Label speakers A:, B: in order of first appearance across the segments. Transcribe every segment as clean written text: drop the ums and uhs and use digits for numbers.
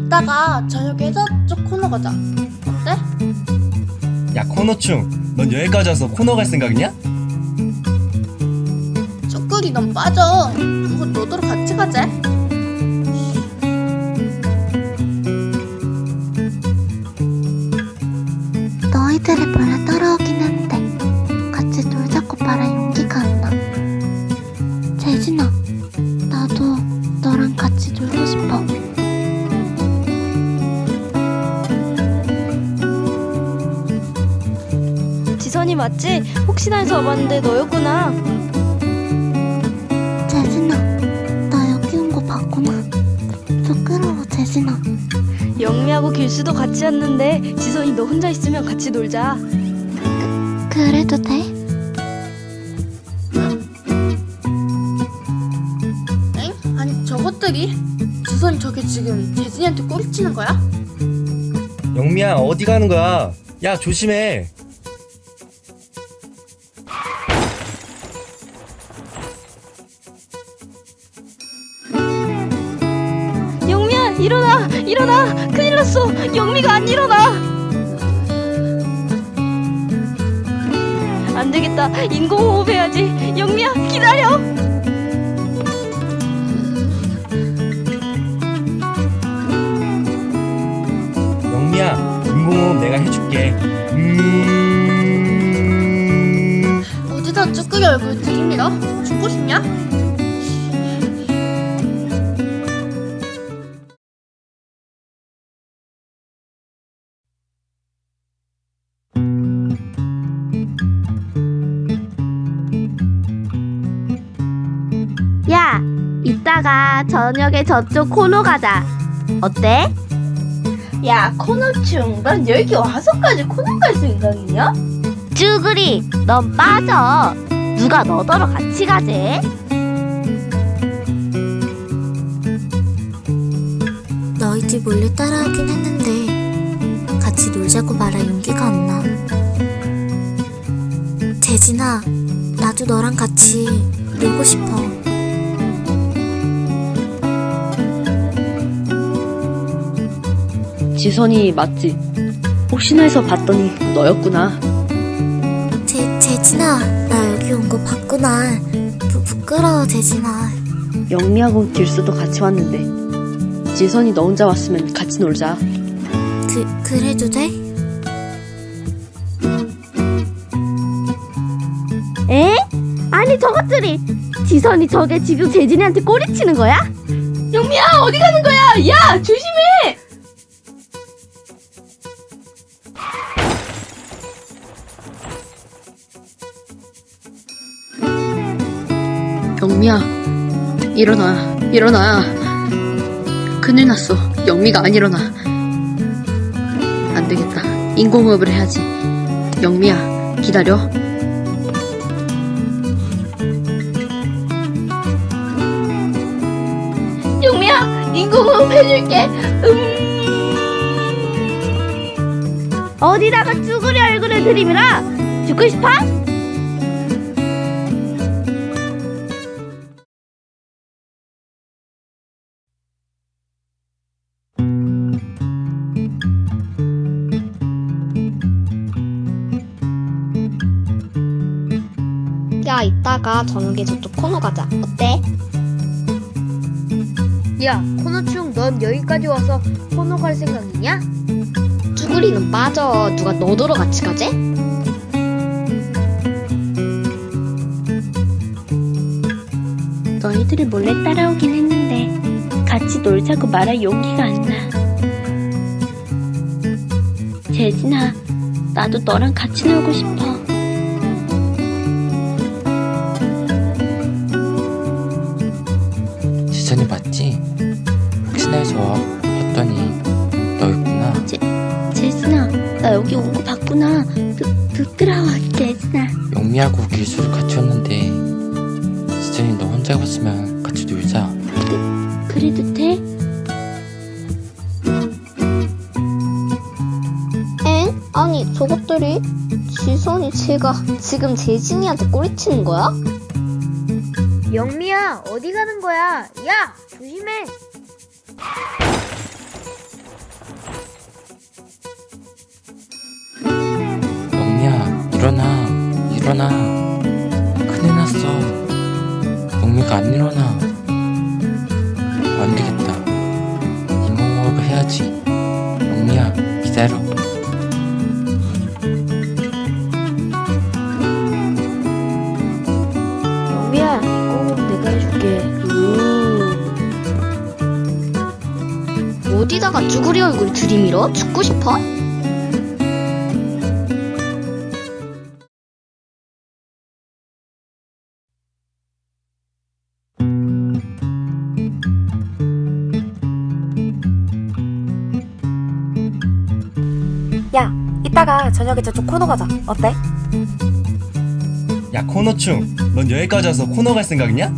A: 이따가 저녁에 저쪽 코너 가자. 어때?
B: 야 코너충, 넌 여기까지 와서 코너 갈 생각이냐?
A: 쭈꾸리 넌 빠져. 그거 너더러 같이 가자.
C: 너희들이 몰래 따라오긴 한데 같이 놀자고 말할 용기가 안 나. 재진아, 나도 너랑 같이 놀고 싶어.
D: 지선이 맞지? 혹시나 해서 와봤는데 너였구나.
C: 재진아, 나 여기 온 거 봤구나. 부끄러워, 재진아.
D: 영미하고 길수도 같이 왔는데 지선이 너 혼자 있으면 같이 놀자.
C: 그래도 돼?
A: 엥? 아니 저것들이? 지선이 저게 지금 재진이한테 꼬리치는 거야?
B: 영미야 어디 가는 거야? 야 조심해.
D: 영미야 일어나! 일어나! 큰일 났어! 영미가 안 일어나! 안 되겠다. 인공호흡 해야지. 영미야 기다려!
B: 영미야 인공호흡 내가 해줄게.
A: 어디다 쭈꾸리 얼굴 들이밀어? 죽고 싶냐?
C: 야, 이따가 저녁에 저쪽 코너 가자. 어때?
D: 야 코너충, 난 여기 와서까지 코너 갈 생각이냐?
C: 쭈그리, 넌 빠져. 누가 너더러 같이 가재?
E: 너희들 몰래 따라오긴 했는데 같이 놀자고 말할 용기가 안 나. 재진아, 나도 너랑 같이 놀고 싶어.
D: 지선이 맞지? 혹시나 해서 봤더니 너였구나.
E: 재진아, 나 여기 온 거 봤구나. 부끄러워, 재진아.
D: 영미하고 길수도 같이 왔는데 지선이 너 혼자 왔으면 같이 놀자.
E: 그래도 돼?
C: 에? 아니 저것들이 지선이 저게 지금 재진이한테 꼬리치는 거야?
D: 영미야 어디 가는 거야? 야 조심해! 영미야 일어나 일어나. 큰일 났어. 영미가 안 일어나. 안 되겠다. 인공호흡을 해야지. 영미야 기다려. 영미야 인공호흡 해줄게.
C: 어디다가 쭈그리 얼굴을 들이밀어? 죽고 싶어?
A: 야 이따가 저녁에 저쪽 코너 가자. 어때?
D: 야 코너충, 넌 여기까지 와서 코너 갈 생각이냐?
A: 쭈구리는 빠져. 누가 너더러 같이 가재?
C: 너희들이 몰래 따라오긴 했는데 같이 놀자고 말할 용기가 안 나. 재진아, 나도 너랑 같이 놀고 싶어.
F: 지선이 맞지? 혹시나 해서 봤더니 너였구나.
C: 재진아, 나 여기 온 거 봤구나. 부끄러워, 재진아.
F: 영미하고 길수를 같이 왔는데 지선이 너 혼자 왔으면 같이 놀자.
C: 그래도 돼?
A: 엥? 아니 저것들이? 지선이 쟤가 지금 재진이한테 꼬리치는 거야?
D: 영미야 어디 가는 거야? 야 조심해.
F: 일어나. 큰일 났어. 영미가 안 일어나. 안 되겠다. 인공호흡을 해야지. 영미야, 기다려.
D: 영미야, 인공호흡 내가 해줄게.
A: 어디다가 쭈구리 얼굴 들이밀어? 죽고 싶어?
G: 야, 이따가 저녁에 저쪽 코너 가자. 어때?
B: 야 코너충, 넌 여기까지 와서 코너 갈 생각이냐?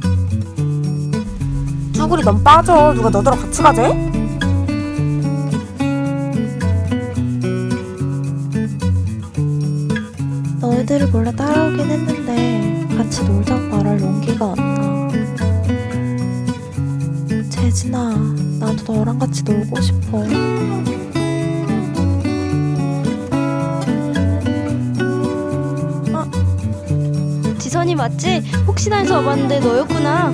G: 쭈구리 넌 빠져. 누가 너더러 같이 가재? 너희들을 몰래 따라오긴 했는데 같이 놀자고 말할 용기가 안 나. 재진아, 나도 너랑 같이 놀고 싶어.
D: 지선이 맞지? 혹시나 해서 와봤는데 너였구나.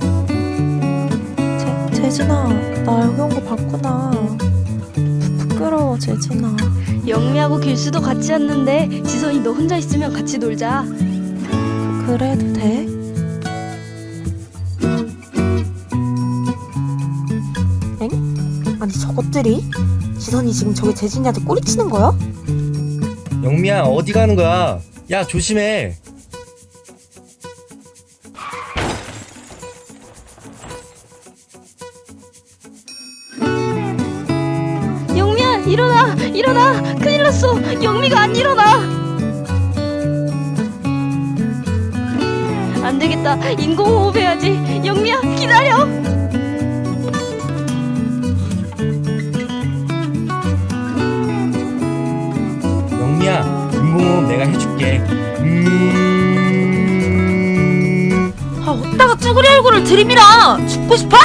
G: 재진아, 나 여기 온 거 봤구나. 부끄러워, 재진아.
D: 영미하고 길수도 같이 왔는데 지선이 너 혼자 있으면 같이 놀자.
G: 그래도 돼? 엥? 아니 저것들이? 지선이 지금 저기 재진이한테 꼬리치는 거야?
B: 영미야 어디 가는 거야? 야 조심해.
D: 영미야, 일어나! 일어나! 큰일 났어! 영미가 안 일어나! 안 되겠다. 인공호흡 해야지. 영미야, 기다려!
B: 영미야 인공호흡 내가 해줄게.
G: 아, 어디다가 쭈구리 얼굴을 들이밀어! 죽고 싶어?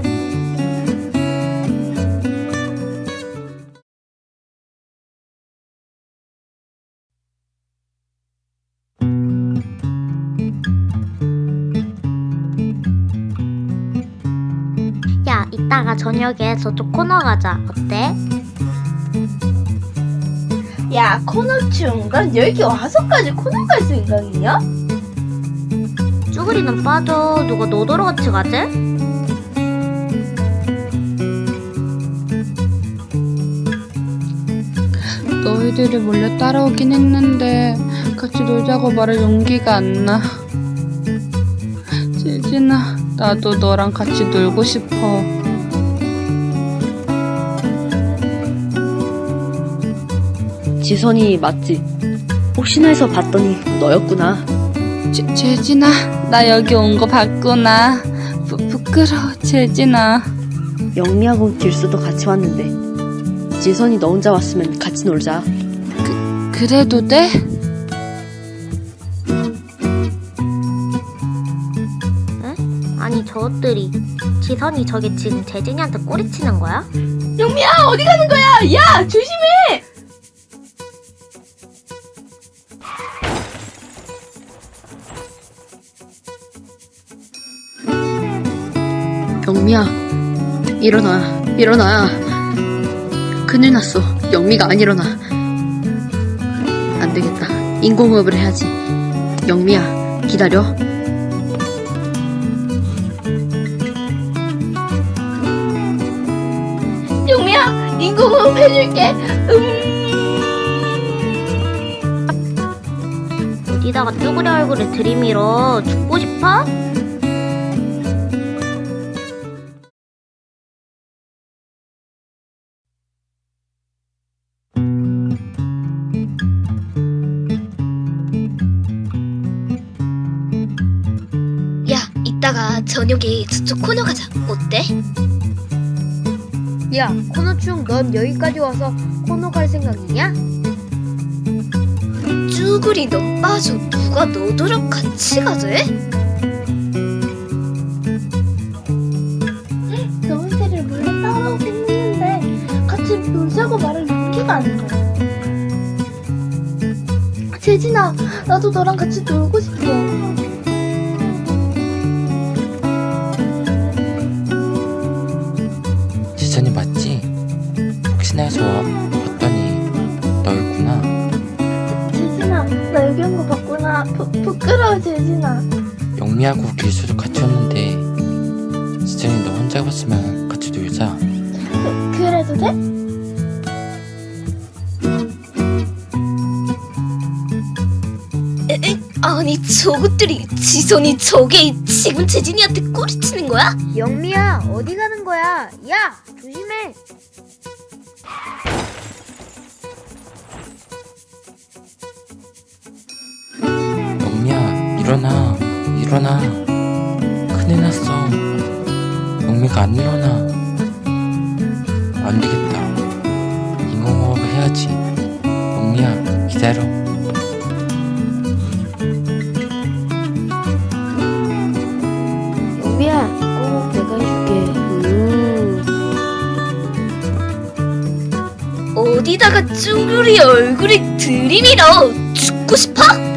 E: 야, 이따가 저녁에 저쪽 코너 가자. 어때?
H: 야, 코너충, 넌 여기 와서까지 코너 갈 생각이냐?
E: 쭈구리는 빠져. 누가 너더러 같이 가재?
I: 너희들이 몰래 따라오긴 했는데 같이 놀자고 말할 용기가 안 나. 재진아, 나도 너랑 같이 놀고 싶어.
D: 지선이 맞지? 혹시나 해서 봤더니 너였구나.
I: 재진아, 나 여기 온 거 봤구나. 부끄러워, 재진아.
D: 영미하고 길수도 같이 왔는데 지선이 너 혼자 왔으면 같이 놀자.
I: 그래도 돼?
E: 아니 저것들이 지선이 저게 지금 재진이한테 꼬리치는 거야?
H: 영미야, 어디 가는 거야? 야, 조심해!
D: 영미야, 일어나, 일어나. 큰일 났어. 영미가 안 일어나. 안 되겠다. 인공호흡을 해야지. 영미야, 기다려.
H: 영미야, 인공호흡 해줄게.
E: 어디다가 쭈구리 얼굴을 들이밀어. 죽고 싶어?
A: 야, 이따가 저녁에 저쪽 코너 가자. 어때?
H: 야, 코너충, 넌 여기까지 와서 코너 갈 생각이냐?
A: 쭈구리 넌 빠져. 누가 너더러 같이 가재?
H: 너희들을 몰래 따라오긴 했는데 같이 놀자고 말할 용기가 안 나. 재진아, 나도 너랑 같이 놀고 싶어.
F: 지선이 맞지? 혹시나 해서 봤더니 너였구나.
H: 재진아, 나 여기 온 거 봤구나. 부끄러워, 재진아.
F: 영미하고 길수도 같이 왔는데 지선이 너 혼자 봤으면 같이 놀자.
H: 그래도 돼?
A: 아니 저것들이 지선이 저게 지금 재진이한테 꼬리치는 거야?
H: 영미야, 어디 가는 거야? 야, 조심해.
F: 영미야, 일어나. 큰일 났어. 영미가 안 일어나. 안 되겠다. 인공호흡을 해야지. 영미야, 기다려.
H: 영미야, 꼭 내가 해줄게.
A: 어디다가 쭈구리 얼굴에 들이밀어. 죽고 싶어?